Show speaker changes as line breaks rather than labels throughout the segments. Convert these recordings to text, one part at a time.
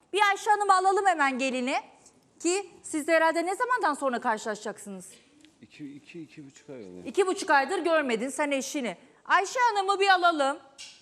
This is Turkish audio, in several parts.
Bir Ayşe Hanım'ı alalım hemen gelini. Ki siz de herhalde ne zamandan sonra karşılaşacaksınız?
2,5 ay oluyor.
2,5 aydır görmedin sen eşini. Ayşe Hanım'ı bir alalım.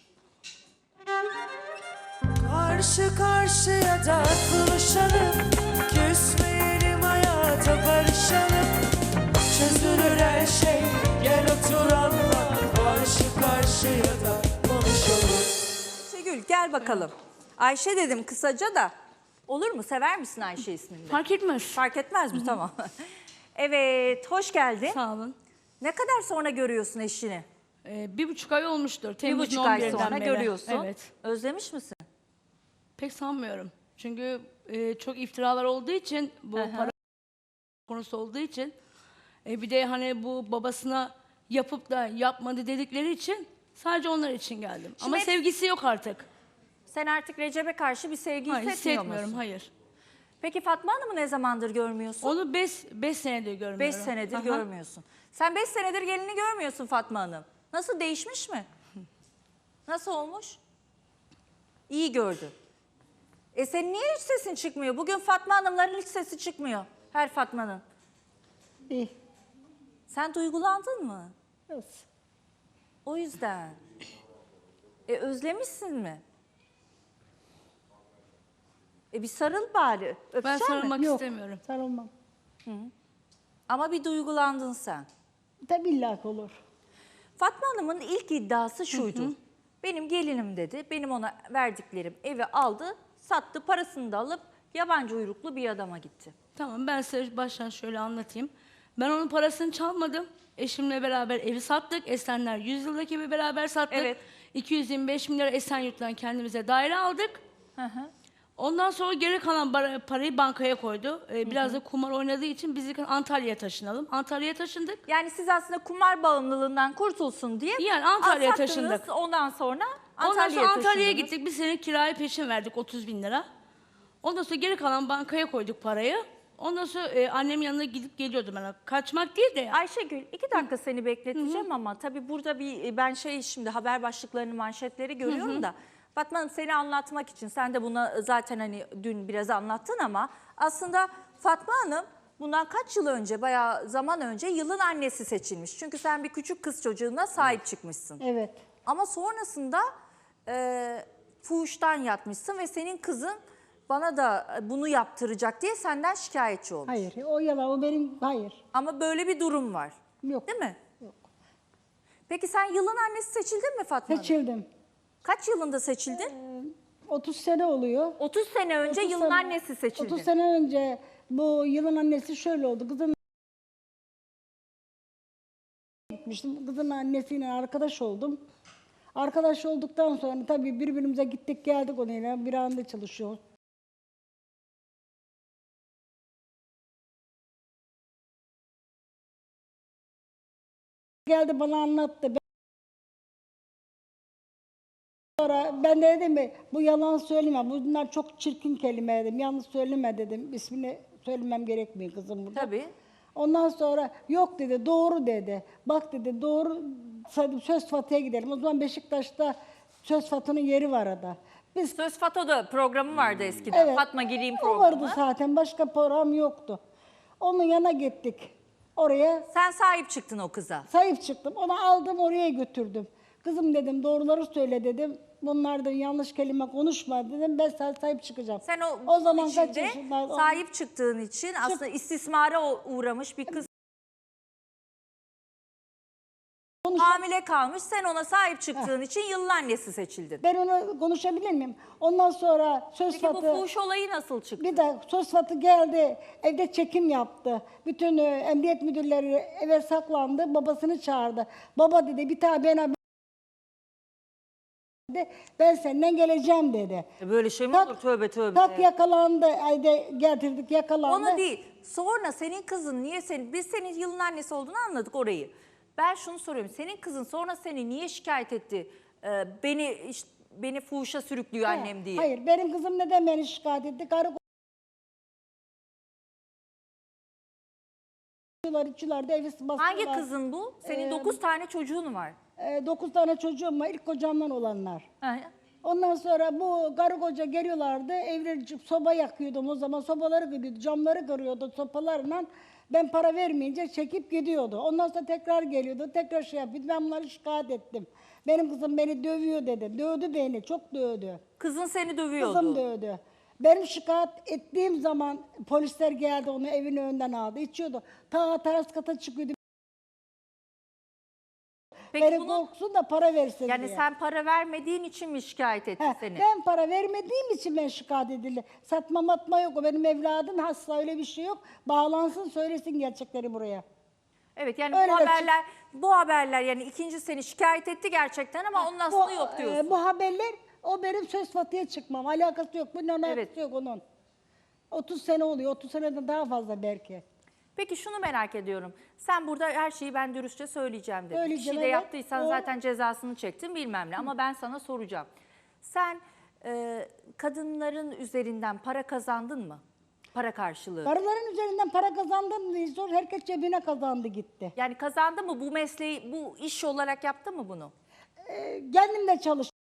Karşı karşıya da buluşalım, küsmeyelim hayata barışalım. Çözülür her şey, gel otur anla, karşı karşıya da konuşalım.
Ayşegül gel bakalım. Ayşe dedim kısaca da. Olur mu? Sever misin Ayşe ismini?
Fark etmez.
Fark etmez mi? Tamam. Evet, hoş geldin.
Sağ olun.
Ne kadar sonra görüyorsun eşini?
1,5 ay olmuştur. Temmuz'un
1,5 ay
11'den
sonra
beri.
görüyorsun.
Evet.
Özlemiş misin?
Pek sanmıyorum. Çünkü çok iftiralar olduğu için, bu para konusu olduğu için, bir de hani bu babasına yapıp da yapmadı dedikleri için sadece onlar için geldim. Ama
hep-
sevgisi yok artık.
Sen artık Recep'e karşı bir sevgi
Hayır,
hissetmiyor
hissetmiyorum,
musun?
hayır.
Peki Fatma Hanım'ı ne zamandır görmüyorsun?
Onu 5 senedir görmüyorum.
5 senedir
Aha.
görmüyorsun. Sen 5 senedir gelini görmüyorsun Fatma Hanım. Nasıl, değişmiş mi? Nasıl olmuş? İyi gördün. Senin niye hiç sesin çıkmıyor? Bugün Fatma Hanımların hiç sesi çıkmıyor. Her Fatma'nın.
İyi.
Sen duygulandın mı?
Evet.
O yüzden. Özlemişsin mi? Bir sarıl bari.
Ben
Öpecek mi?
sarılmak
Yok,
istemiyorum.
sarılmam.
Ama bir duygulandın sen.
Tabii illaki olur.
Fatma Hanım'ın ilk iddiası şuydu. Benim gelinim dedi. Benim ona verdiklerim evi aldı, sattı, parasını da alıp yabancı uyruklu bir adama gitti.
Tamam, ben size baştan şöyle anlatayım. Ben onun parasını çalmadım. Eşimle beraber evi sattık. Esenler 100 yıldaki evi beraber sattık.
Evet.
225 milyar Esenyurt'tan kendimize daire aldık.
Hı hı.
Ondan sonra geri kalan parayı bankaya koydu. Biraz da kumar oynadığı için biz Antalya'ya taşınalım. Antalya'ya taşındık.
Yani siz aslında kumar bağımlılığından kurtulsun diye
Yani Antalya'ya
sattınız.
taşındık.
Ondan sonra
Ondan sonra
Antalya'ya
Antalya'ya
taşındınız.
gittik. Bir sene kirayı peşin verdik, 30 bin lira. Ondan sonra geri kalan bankaya koyduk parayı. Ondan sonra annemin yanına gidip geliyordum ben. Kaçmak değil de yani.
Ayşegül 2 dakika seni bekleteceğim ama tabii burada ben şimdi haber başlıklarını, manşetleri görüyorum da Fatma Hanım, seni anlatmak için, sen de buna zaten hani dün biraz anlattın ama aslında Fatma Hanım bundan kaç yıl önce, bayağı zaman önce yılın annesi seçilmiş. Çünkü sen bir küçük kız çocuğuna sahip çıkmışsın.
Evet.
Ama sonrasında fuhuştan yatmışsın ve senin kızın bana da bunu yaptıracak diye senden şikayetçi olmuş.
Hayır. O yalan. O benim. Hayır.
Ama böyle bir durum var.
Yok.
Değil mi?
Yok.
Peki sen yılın annesi seçildin mi Fatma Hanım?
Seçildim.
Kaç yılında seçildin?
30 sene oluyor.
30 sene önce
30
yılın
sene-
annesi seçildin.
30 sene önce bu yılın annesi şöyle oldu. Kızın gitmiştim. Kızın annesiyle arkadaş oldum. Arkadaş olduktan sonra tabii birbirimize gittik geldik onunla. Bir anda çalışıyor. Geldi bana anlattı. Sonra ben de dedim ki bu yalan söyleme. Bunlar çok çirkin kelime dedim. Yalnız söyleme dedim. İsmini söylemem gerekmiyor kızım burada.
Tabii.
Ondan sonra yok dedi, doğru dedi. Bak dedi, doğru, Söz Fatı'ya gidelim. O zaman Beşiktaş'ta Söz Fatı'nın yeri var arada. Biz
Söz Fato'da programı vardı eskiden.
evet,
Fatma Gireyim
o
programı.
vardı zaten, başka program yoktu. Onun yanına gittik. Oraya
Sen sahip çıktın o kıza.
sahip çıktım. Onu aldım, oraya götürdüm. Kızım dedim, doğruları söyle dedim. Bunlardan yanlış kelime konuşma dedim. Ben sana sahip çıkacağım.
Sen o
zaman
zaman
kaç
içinde
yaşındaydın?
sahip çıktığın için aslında istismara uğramış bir kız. Hamile kalmış, sen ona sahip çıktığın için yılın annesi seçildin.
Ben onu konuşabilir miyim? Ondan sonra Söz
Peki bu
Fatı...
fuhuş olayı nasıl çıktı?
Bir de Söz Fatı geldi, evde çekim yaptı. Bütün emniyet müdürleri eve saklandı, babasını çağırdı. Baba dedi, bir tane ben senden geleceğim dedi.
Böyle şey mi
Tak-
olur? Tövbe tövbe.
Tak yakalandı, evde getirdik yakalandı.
Onu değil. Sonra senin kızın niye biz senin yılın annesi olduğunu anladık orayı. Ben şunu soruyorum. Senin kızın sonra seni niye şikayet etti? Beni fuhuşa sürüklüyor annem diye.
Hayır, benim kızım neden beni şikayet etti? Karı içiyorlar da evi bastılar.
Hangi kızın bu? Senin 9 tane çocuğun var.
9 tane çocuğum var, ilk kocamdan olanlar.
Ha,
Ondan sonra bu karı koca geliyorlardı. Evleri soba yakıyordum o zaman. Sobaları kırıyordu, camları kırıyordu sopalarla. Ben para vermeyince çekip gidiyordu. Ondan sonra tekrar geliyordu, tekrar şey yapıyordu. Ben bunları şikayet ettim. Benim kızım beni dövüyor dedi. Dövdü beni, çok dövdü.
Kızın seni dövüyordu.
Kızım dövdü. Benim şikayet ettiğim zaman polisler geldi, onu evin önünden aldı. İçiyordu. Ta teras kata çıkıyordu.
Peki
Beni
bunu
korksun da para versin
yani
diye.
sen para vermediğin için mi şikayet etti
He,
seni?
ben para vermediğim için ben şikayet edildi. Satma matma yok. O benim evladım hasta, öyle bir şey yok. Bağlansın, söylesin gerçekleri buraya.
Evet, yani
Öyle
bu haberler yani ikinci seni şikayet etti gerçekten ama onun aslında yok diyorsun.
Bu haberler o benim söz fatıya çıkmam. Alakası yok. Bunun alakası
Evet.
yok onun. 30 sene oluyor. 30 seneden daha fazla belki.
Peki şunu merak ediyorum. Sen burada her şeyi ben dürüstçe söyleyeceğim dedin. Bir
Söyleyeceğim,
şey de
evet.
yaptıysan
O-
zaten cezasını çektin bilmem ne. Ama ben sana soracağım. Sen kadınların üzerinden para kazandın mı? Para karşılığı.
Karıların üzerinden para kazandın diye sor. Herkes cebine kazandı gitti.
Yani kazandı mı bu mesleği, bu iş olarak yaptı mı bunu?
Kendim de çalıştım.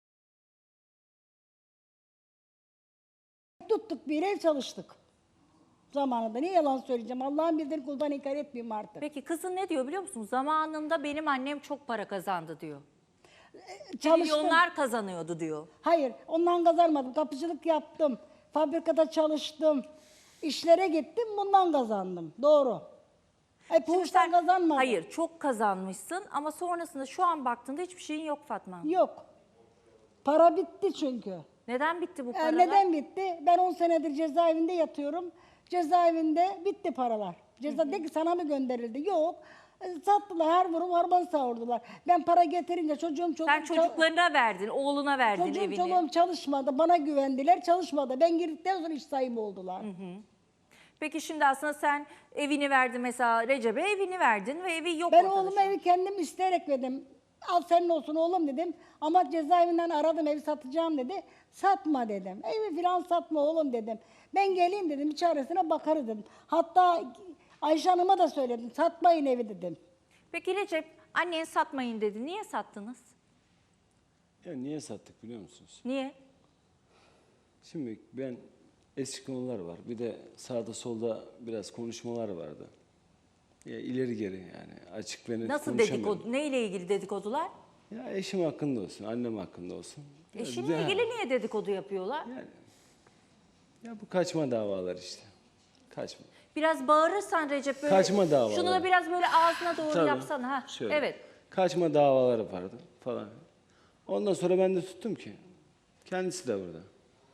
Tuttuk bir ev çalıştık. Zamanında. Ne yalan söyleyeceğim. Allah'ın bildiğini kuldan inkar etmeyeyim artık.
Peki kızın ne diyor biliyor musun? Zamanında benim annem çok para kazandı diyor.
Çalıştım.
Milyonlar kazanıyordu diyor.
Hayır, ondan kazanmadım. Kapıcılık yaptım. Fabrikada çalıştım. İşlere gittim, bundan kazandım. Doğru.
Şimdi
Fuhuştan kazanmadım.
hayır, çok kazanmışsın ama sonrasında şu an baktığında hiçbir şeyin yok Fatma.
Yok. Para bitti çünkü.
Neden bitti bu paralar?
Neden bitti? Ben 10 senedir cezaevinde yatıyorum. Cezaevinde bitti paralar. Ceza de ki sana mı gönderildi? Yok. Sattılar, her vurup harman savurdular. Ben para getirince çocuğum
Sen çocuklarına verdin, oğluna verdin
çocuğum
evini.
çoluğum çalışmadı. Bana güvendiler, çalışmadı. Ben girdikten sonra iş sahibi oldular.
Peki şimdi aslında sen evini verdin mesela Recep'e evini verdin ve evi yok
Ben
ortada
oğluma
şu an.
evi kendim isteyerek verdim. Al senin olsun oğlum dedim. Ama cezaevinden aradım, evi satacağım dedi. Satma dedim. Evi falan satma oğlum dedim. Ben geleyim dedim, bir çaresine bakarız dedim. Hatta Ayşe Hanım'a da söyledim, satmayın evi dedim.
Peki Recep, annen satmayın dedi. Niye sattınız?
Ya niye sattık biliyor musunuz?
Niye?
Şimdi ben eski konular var. Bir de sağda solda biraz konuşmalar vardı. Ya ileri geri yani açık ve net
Nasıl
konuşamıyorum.
dedikodu? Ne ile ilgili dedikodular?
Ya eşim hakkında olsun, annem hakkında olsun. Biraz
Eşinle ilgili niye dedikodu yapıyorlar?
Yani, ya bu kaçma davalar işte. Kaçma.
Biraz bağırırsan Recep böyle.
Kaçma davaları.
Şunu da biraz böyle ağzına doğru
Tabii.
yapsana. Ha.
Şöyle.
Evet.
Kaçma davaları vardı falan. Ondan sonra ben de tuttum ki. Kendisi de burada.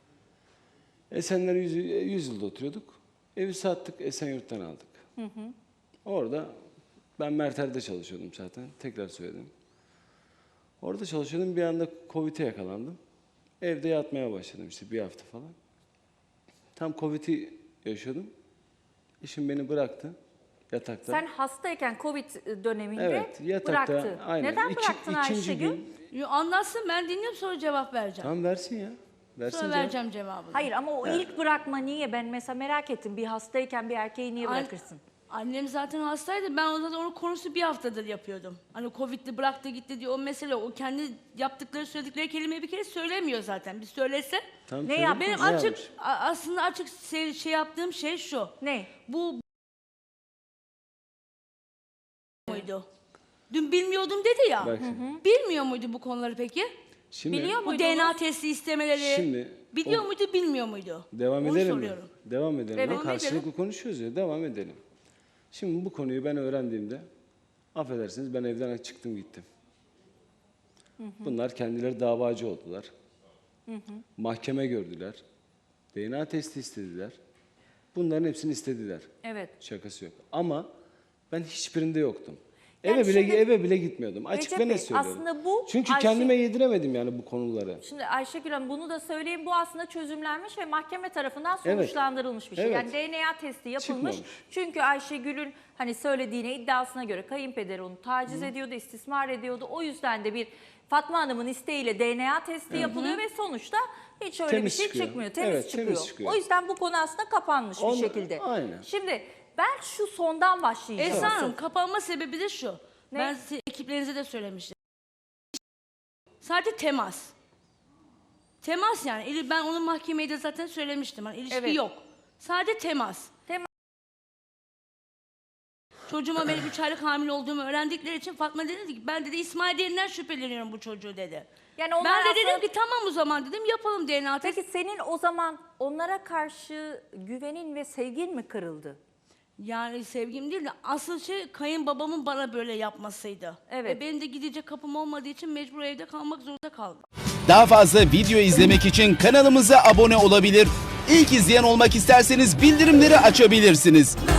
Esenler 100 yılda oturuyorduk. Evi sattık, Esenyurt'tan aldık. Orada ben Merter'de çalışıyordum zaten. Tekrar söyledim. Orada çalışıyordum. Bir anda Covid'e yakalandım. Evde yatmaya başladım işte bir hafta falan. Tam Covid'i yaşıyordum. Eşim beni bıraktı yatakta.
Sen hastayken Covid döneminde
Evet, yatakta.
bıraktı.
Aynen.
Neden bıraktın
İkinci
Ayşegül?
gün.
Yo, anlatsın, ben dinliyorum, sonra cevap vereceğim.
Tamam versin ya. Versin
Sonra
cevap.
vereceğim cevabını.
Hayır ama o ilk bırakma niye? Ben mesela merak ettim. Bir hastayken bir erkeği niye
An-
bırakırsın?
Annem zaten hastaydı. Ben o zaman onun konusu bir haftadır yapıyordum. Hani Covid'li bıraktı gitti diye o mesele. O kendi yaptıkları söyledikleri kelimeyi bir kere söylemiyor zaten. Bir söylese.
Tamam,
Ne
söyle.
yaptın?
Benim
Ne
açık
yapmış?
aslında açık şey yaptığım şey şu.
Ne?
Bu muydu? Dün bilmiyordum dedi ya.
Bak şimdi.
Bilmiyor muydu bu konuları peki?
Şimdi
Biliyor
Bu
muydunuz?
DNA testi istemeleri.
Şimdi
biliyor
o-
muydu, bilmiyor muydu?
devam
Onu
edelim mi?
soruyorum.
Devam edelim.
Evet.
Bak, karşılıklı konuşuyoruz ya. Devam edelim. Şimdi bu konuyu ben öğrendiğimde affedersiniz ben evden çıktım gittim. Bunlar kendileri davacı oldular. Mahkeme gördüler. DNA testi istediler. Bunların hepsini istediler.
Evet.
Şakası yok. Ama ben hiçbirinde yoktum.
Yani
eve
şimdi-
bile gitmiyordum. Açık
Recep
ve
Bey,
net söylüyorum.
aslında bu
Çünkü
Ayşe-
kendime yediremedim yani bu konuları.
Şimdi Ayşegül Hanım bunu da söyleyeyim. Bu aslında çözümlenmiş ve mahkeme tarafından
Evet.
sonuçlandırılmış bir şey.
Evet.
Yani DNA testi yapılmış.
Çıkmamış.
Çünkü Ayşegül'ün hani söylediğine, iddiasına göre kayınpederi onu taciz ediyordu, istismar ediyordu. O yüzden de bir Fatma Hanım'ın isteğiyle DNA testi yapılıyor ve sonuçta hiç öyle
Temiz
bir şey
çıkıyor.
çıkmıyor. Temiz,
Evet,
çıkıyor.
temiz çıkıyor.
O yüzden bu konu aslında kapanmış bir
Onu-
şekilde.
aynen.
Şimdi ben şu sondan başlayacağım.
Esra Hanım, kapanma sebebi de şu.
Ne?
Ben size ekiplerinize de söylemiştim. Sadece temas. Temas yani. Ben onun mahkemeye de zaten söylemiştim. Hani ilişki yok. Sadece temas. Çocuğuma benim 3 aylık hamile olduğumu öğrendikleri için Fatma dedi ki ben dedi İsmail Derin'den şüpheleniyorum bu çocuğu dedi.
Yani onlar
Ben de
aslında-
dedim ki tamam o zaman dedim yapalım DNA testi.
Peki senin o zaman onlara karşı güvenin ve sevgin mi kırıldı?
Yani sevgim değil de asıl şey kayınbabamın bana böyle yapmasıydı.
Evet.
Benim de gidecek kapım olmadığı için mecbur evde kalmak zorunda kaldım.
Daha fazla video izlemek için kanalımıza abone olabilir. İlk izleyen olmak isterseniz bildirimleri açabilirsiniz.